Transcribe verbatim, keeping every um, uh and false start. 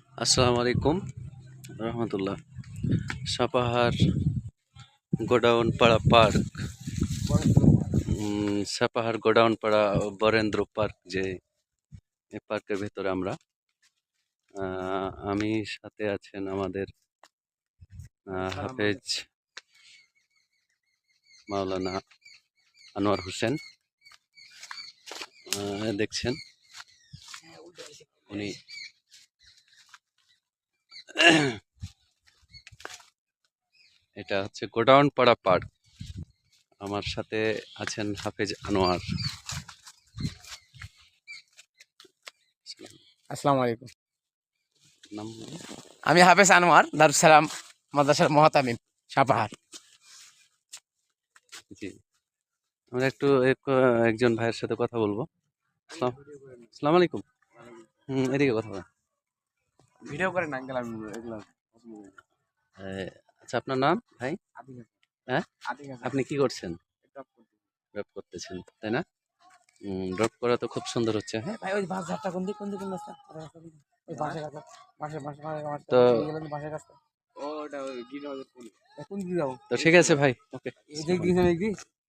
আসসালামু আলাইকুম রহমতুল্লাহ। সাপাহার গোডাউন পাড়া পার্ক, উম, সাপাহার গোডাউন পাড়া বরেন্দ্র পার্ক, যে এই পার্কের ভেতরে আমরা আহ, আমি সাথে আছেন আমাদের আহ, হাফেজ মাওলানা আনোয়ার হোসেন। আহ, দেখছেন উনি এটা হচ্ছে গোডাউন পাড়া পার্ক। আমার সাথে আছেন হাফেজ আনোয়ার। আসসালামু আলাইকুম। নাম আমি হাফেজ আনোয়ার, দারুস সালাম মাদ্রাসার মহাতামিম, সাপাহার। জি, আমরা একটু এক- একজন ভাইয়ের সাথে কথা বলবো। আসসালাম আসসালামু আলাইকুম। হুম, এদিকে কথা বলেন। ভিডিও করেন আঙ্কেল, আমি এগুলো আহ, আচ্ছা, আপনার নাম ভাই? হ্যাঁ, আপনি কি করছেন? ড্রপ করতেছেন, তাই না? ড্রপ করা তো খুব সুন্দর হচ্ছে। হ্যাঁ, ভাই ওই বাস ঝাড়টা কোন দিক কোন দিক রাস্তা, ওই বাসের কাছে, বাসে বাসে বাসে তো বাসের কাছে। ওটা গ্রিন হাউসের কোন কোন দিকে যাবো? তো ঠিক আছে ভাই, ওকে। এই দিক দিয়ে